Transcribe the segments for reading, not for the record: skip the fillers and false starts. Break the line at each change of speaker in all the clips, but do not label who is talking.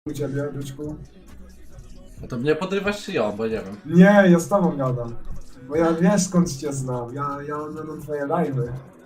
U ciebie, byczku?
No to mnie podrywasz czy ją, bo nie wiem.
Nie, ja z tobą gadam. Bo ja wiesz skąd cię znam. Ja oglądam twoje live'y.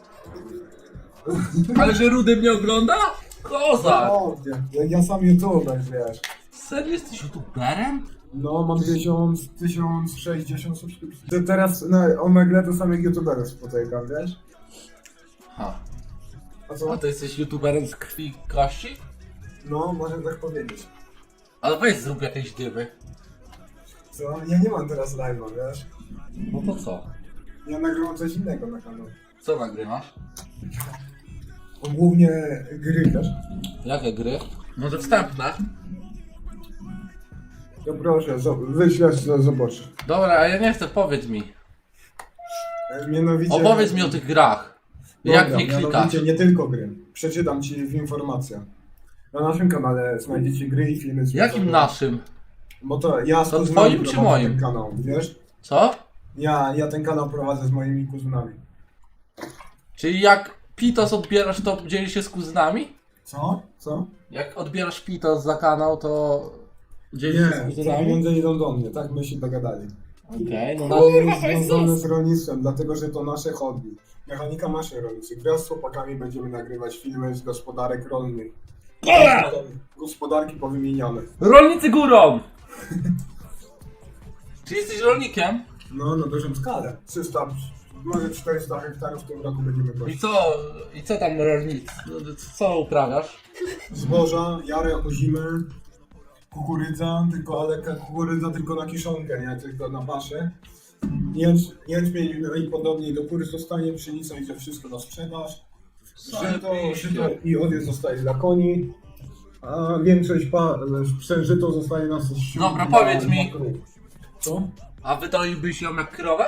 Ale że Rudy mnie ogląda? Kozak!
O, ja sam youtuber, wiesz.
Serio jesteś youtuberem?
No, mam 1060 subskrypcji. To teraz na Omegle to samych youtuberów spotykam, wiesz?
Ha.
A co?
A ty jesteś youtuberem z krwi i kości?
No, można tak powiedzieć.
Ale weź zrób jakieś dymy.
Co? Ja nie mam teraz live'a, wiesz?
No to co?
Ja nagrywam coś innego na kanał.
Co nagrywasz?
Głównie gry, wiesz?
Jakie gry? Może wstępne?
No proszę, wyślesz, zobacz.
Dobra, a ja nie chcę, powiedz mi.
Mianowicie...
Opowiedz mi o tych grach. Jak
Dobra,
nie klikasz?
mianowicie nie tylko gry. Przeczytam ci w informacjach. Na naszym kanale znajdziecie gry i filmy z
Jakim naszym?
Bo to ja z
To
kuzynami
twoim czy
prowadzę
moim?
ten kanał, wiesz?
Co?
Ja ten kanał prowadzę z moimi kuzynami.
Czyli jak Pitos odbierasz, to dzielisz się z kuzynami?
Co? Co?
Jak odbierasz Pitos za kanał, to dzielisz się z
Nie, te
kuzynami?
pieniądze idą do mnie, tak my się dogadali.
Okej, no
To jest związane z rolnictwem, dlatego że to nasze hobby. Mechanika maszyn rolniczych. Wraz z chłopakami będziemy nagrywać filmy z gospodarek rolnych. Gospodarki powymieniane.
Rolnicy górą! Czy jesteś rolnikiem?
No, na dużą skalę. 300, może 400 hektarów w tym roku będziemy
I
kosić.
co tam rolnicy? Co uprawiasz?
Zboża, jarę o zimę, kukurydza, ale kukurydza tylko na kiszonkę, nie tylko na paszę. Jęczmień no i podobnie, do góry zostanie, pszenica idzie wszystko na sprzedaż. Żyto i owiec zostaje dla koni, a większość żyto zostaje na
Dobra, powiedz mi.
krów. Co?
A wydoiłbyś ją jak krowę?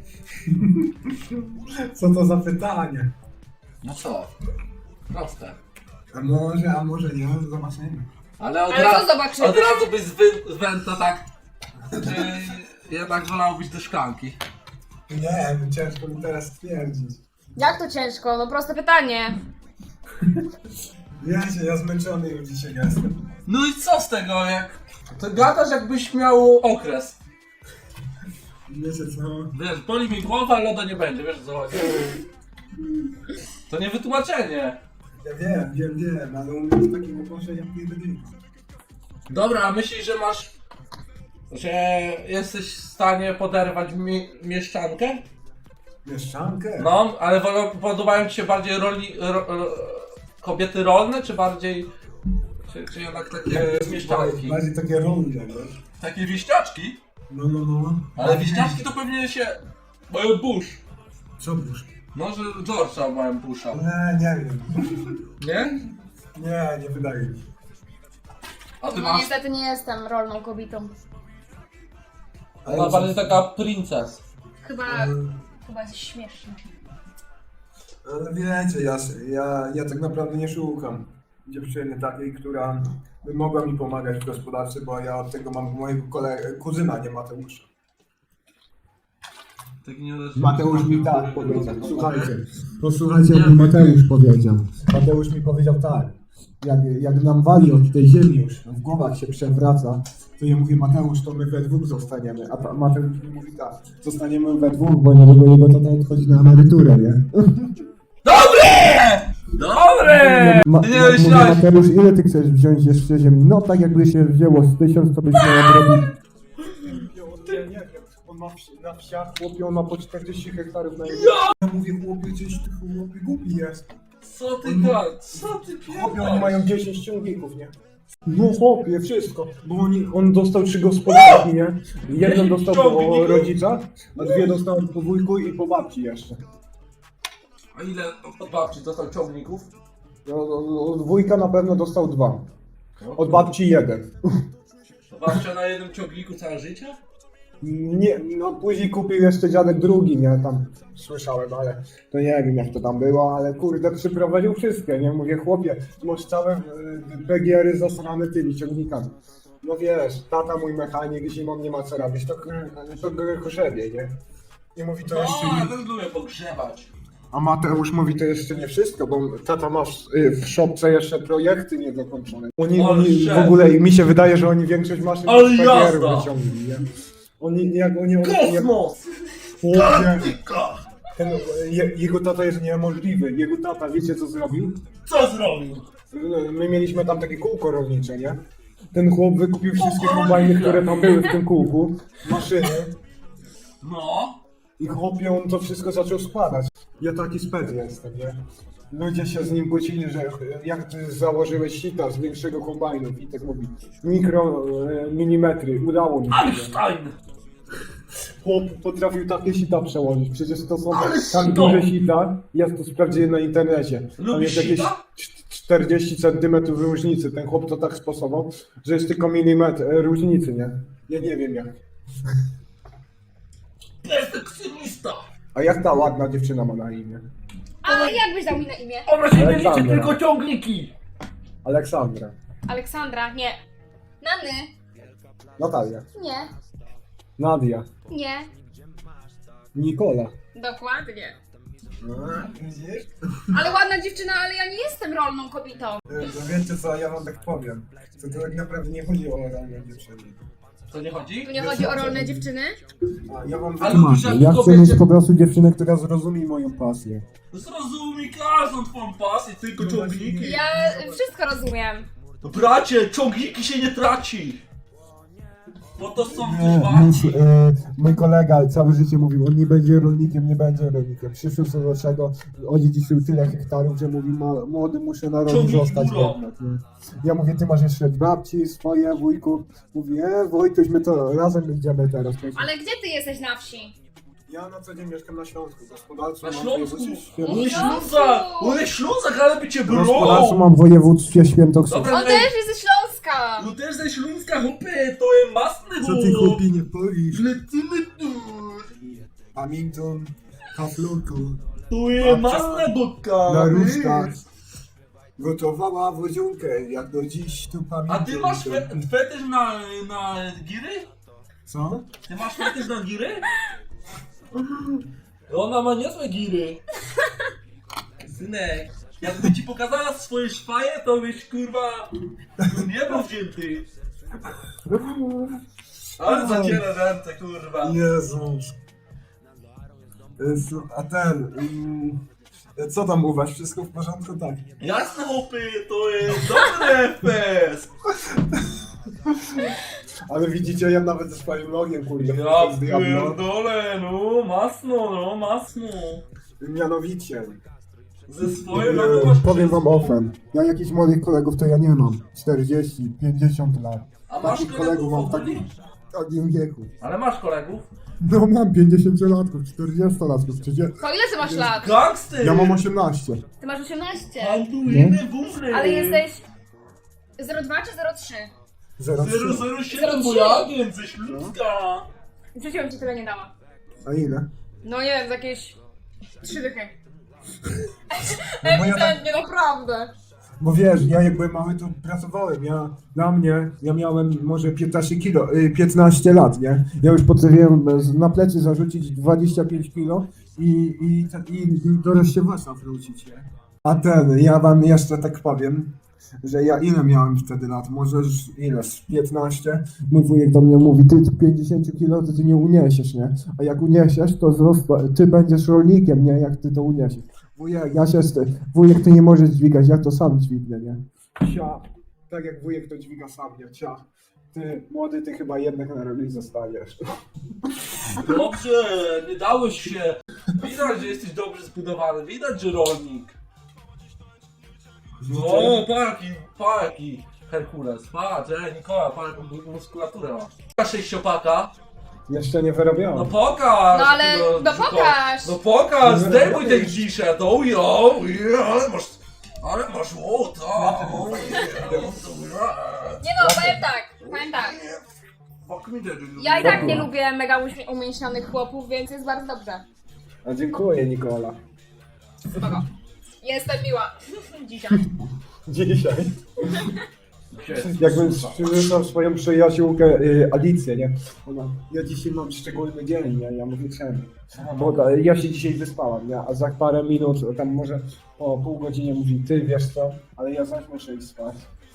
Co to za pytanie?
No co? Proste.
A może nie, zobaczymy.
Ale od,
Ale co zobaczymy?
od razu byś z węta tak... Czy jednak wolałbyś do szklanki?
Nie, ciężko mi teraz stwierdzić.
Jak to ciężko? No proste pytanie.
Wiecie, ja zmęczony już dzisiaj jestem.
No i co z tego, jak... To gadasz jakbyś miał okres.
Wiecie co?
Wiesz, boli mi głowa, loda nie będzie, wiesz co chodzi? To nie wytłumaczenie.
Ja wiem, ale u mnie jest takiego proszę jak nie będzie.
Dobra, a myślisz, że masz... Że jesteś w stanie poderwać mieszczankę?
Mieszczankę?
No, ale podobają ci się bardziej kobiety rolne, czy bardziej... Czy jednak takie mieszczanki?
Bardziej takie rolne, wiesz?
Takie wieśniaczki?
No.
Ale wieśniaczki to pewnie się... mają burz.
Co busz?
No, że George'a mają busza.
Nie wiem.
Nie?
Nie wydaje mi się.
A ty
No
masz...
niestety nie jestem rolną kobietą.
Ona bardziej taka princes.
Chyba jest śmieszne.
Ale wiecie, ja tak naprawdę nie szukam dziewczyny takiej, która by mogła mi pomagać w gospodarce, bo ja od tego mam mojego kuzyna, nie Mateusza.
Tak nie
Mateusz mi tak powiedział. Posłuchajcie, jak mi Mateusz powiedział. Mateusz mi powiedział tak. Jak nam wali od tej ziemi już, w głowach się przewraca, to ja mówię, Mateusz, to my we dwóch zostaniemy. A Mateusz mi mówi tak, zostaniemy we dwóch, bo niedługo jego tata odchodzi na emeryturę, nie?
Dobre! Ty nie
Mówię,
myślałeś...
Mateusz, ile ty chcesz wziąć jeszcze ziemi? No tak jakby się wzięło z 1000, to byśmy odrobili. Nie wiem, on ma na wsiach, chłopie, on ma po 40 hektarów na ziemi. Ja mówię, chłopie, gdzieś ty chłopie głupi jest.
Co ty gadasz? Co ty
Chłopie, oni
pierdolisz?
mają 10 ciągników, nie? No chłopie, wszystko, bo on dostał 3 gospodarki, nie? Jedną dostał po
Ciągników?
rodzicach, a 2 dostał po wujku i po babci jeszcze.
A ile od babci dostał ciągników?
Od wujka na pewno dostał 2, od babci 1.
Babcia na jednym ciągniku całe życie?
Nie, no później kupił jeszcze dziadek drugi, nie? Tam słyszałem, ale to nie wiem jak to tam było, ale kurde przyprowadził wszystkie, nie? Mówię, chłopie, masz całe PGR-y zasrane tymi ciągnikami. No wiesz, tata mój mechanik, zimą nie ma co robić, to grzebie, nie? I mówi to
No,
jeszcze...
ja też lubię pogrzebać.
A Mateusz mówi to jeszcze nie wszystko, bo tata ma w szopce jeszcze projekty niedokończone. Oni w ogóle, mi się wydaje, że oni większość maszyn
Ale
z PGR
jazda!
wyciągli, nie? Oni
Kosmos!
jego tata jest niemożliwy. Jego tata, wiecie co zrobił?
Co zrobił?
My mieliśmy tam takie kółko rolnicze, nie? Ten chłop wykupił wszystkie kombajny, które tam były w tym kółku, maszyny
No.
i chłopie on to wszystko zaczął składać. Ja taki spec jestem, nie? Ludzie się z nim kłócili, że jak ty założyłeś sita z większego kombajnu i tak mówi milimetry, udało mi się.
Einstein!
Chłop potrafił takie sita przełożyć, przecież to są
Ale
tak
sito!
duże sita, ja to sprawdziłem na internecie. Tam
Lubisz
jest jakieś
sita?
40 cm różnicy, ten chłop to tak sposobował, że jest tylko milimetr różnicy, nie? Ja nie wiem jak.
Perfekcjonista!
A jak ta ładna dziewczyna ma na imię?
A jak byś dał mi na imię?
Ona się nie liczy,
Aleksandra.
tylko ciągniki!
Aleksandra.
Aleksandra, nie. Nany?
Natalia.
Nie.
Nadia.
Nie.
Nikola.
Dokładnie.
Widzisz?
Ale ładna dziewczyna, ale ja nie jestem rolną kobietą.
Wiecie co, ja wam tak powiem. To tak naprawdę nie chodzi o rolne dziewczyny.
Co nie chodzi?
Tu nie chodzi o rolne dziewczyny?
A ja wam
Ale
wytłumaczę.
jak
Ja chcę
kobiecie-
mieć po prostu dziewczynę, która zrozumie moją pasję.
Zrozumie każdą twoją pasję, tylko ciągniki.
Ja wszystko rozumiem.
Bracie, ciągniki się nie traci! Bo to są
Nie,
warte.
mój kolega całe życie mówił, on nie będzie rolnikiem, nie będzie rolnikiem. Przyszł co do czego, odziedziczył tyle hektarów, że mówi, młody muszę na roli
Ciągnij
zostać
góro.
jednak, nie? Ja mówię, ty masz jeszcze babci, swoje, wujków. Mówi, Wojtuś, my to razem idziemy teraz.
Ale gdzie ty jesteś na wsi?
Ja na co dzień mieszkam na Śląsku, gospodarstwo
Na
mam
Śląsku?
województwie
On jest
Śląsku!
Ślązak! On jest Ślązak, ale by cię
Gospodarstwo
brło!
mam w województwie świętokrzyskie.
Dobra,
On też jest ze Śląska!
No też ze Śląska, chłopie, to jest masny
Co ty chłopie nie powiesz?
Lecimy tu!
Hamilton, Haflurku,
Tu jest masna godka!
na rusztach. Gotowała wodziunkę, jak do dziś tu pamiętam.
A ty masz fetysz na giry?
Co?
Ty masz fetysz na giry? Ona ma niezłe giry. Synek, jakby ci pokazała swoje szwaje, to byś kurwa nie był wzięty. Ale zaciera ręce, kurwa.
Jezus. A ten... co tam u was? Wszystko w porządku? Tak.
Jasne chłopy, to jest dobry FPS.
Ale widzicie, ja nawet ze swoim logiem, kurde,
Ja
z Diablo.
pierdolę, no masno.
Mianowicie,
Ze swoim logiem masz
powiem wam
wszystko.
ofem. Ja jakichś młodych kolegów to ja nie mam. 40, 50 lat.
A masz
Takich
kolegów
mam
ogólnie?
w takim wieku.
Ale masz kolegów?
No mam 50-latków, 40-latków, 30.
To ile ty masz lat?
Gangster!
Ja mam 18.
Ty masz 18.
Handlujemy wózny!
Ale jesteś 02 czy 03?
007,
03.
mój agent ze Śląska!
Przecież bym ci tyle nie dała.
A ile?
No nie wiem, z jakieś 3 dychy.
bo ja
Ewidentnie, naprawdę.
Bo wiesz, ja jak byłem mały, to pracowałem. Ja miałem może 15 lat, nie? Ja już potrafiłem na plecy zarzucić 25 kilo i do rozsiewacza wrócić, nie? A ja wam jeszcze tak powiem, że ja ile miałem wtedy lat? Może już ile? Z 15? Mój wujek do mnie mówi, ty 50 kilo to ty nie uniesiesz, nie? A jak uniesiesz, to ty będziesz rolnikiem, nie? Jak ty to uniesiesz. Wujek to nie może dźwigać, ja to sam dźwignę, nie? Cia. Tak jak wujek to dźwiga sam, nie? Cia. Ty, młody, ty chyba jednak na roli zostaniesz.
Dobrze, nie dałeś się. Widać, że jesteś dobrze zbudowany, widać, że rolnik. No, parki, Herkules, patrz, Nikola, patrz, jaką muskulaturę masz. Sześciopaka.
Jeszcze nie wyrobiłem.
No pokaż!
No ale,
tego
no
dziko.
pokaż.
No pokaż, zdejmuj tę dziszę, to ale masz łota!
Nie no, powiem tak. Ja i tak nie lubię mega umięśnionych chłopów, więc jest bardzo dobrze.
A dziękuję, Nikola.
Spoko. Jestem miła. Dzisiaj.
Dzisiaj. Jakbym przywitał swoją przyjaciółkę Alicję, nie? Ona, ja dzisiaj mam szczególny dzień, nie? Ja mówię czemu? Bo ja się dzisiaj wyspałam, nie? A za parę minut, tam może po pół godzinie mówi, ty wiesz co? Ale ja zaś muszę iść spać.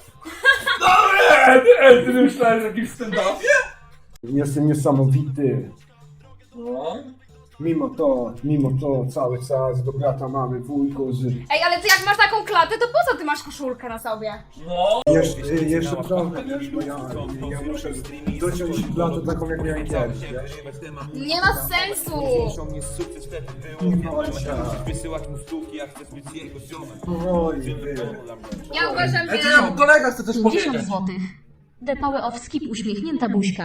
Ty myślałeś o jakimś stand-upie?
Jestem niesamowity.
No.
Mimo to cały czas do brata mamy, wujku, z...
Ej, ale ty jak masz taką klatę, to po co ty masz koszulkę na sobie?
No.
Jeszcze trochę, wiesz, bo ja muszę dociąć blatę taką jak miałem kiedyś, wiesz?
Nie ma sensu!
Wysyłać mu stówki, jak chcesz być jego ziomem.
Oj,
Ja uważam,
Ej,
że...
kolega chce coś
50
powiedzieć.
złotych. The Power of Skip uśmiechnięta buźka.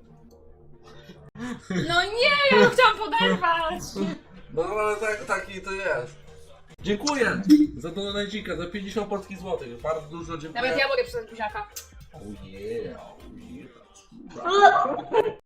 No nie, ja chciałam poderwać!
No ale taki to jest. Dziękuję za donajcika, za 50 polskich złotych. Bardzo dużo dziękuję.
Nawet ja mogę przydać buziaka.
Oh yeah, oh yeah.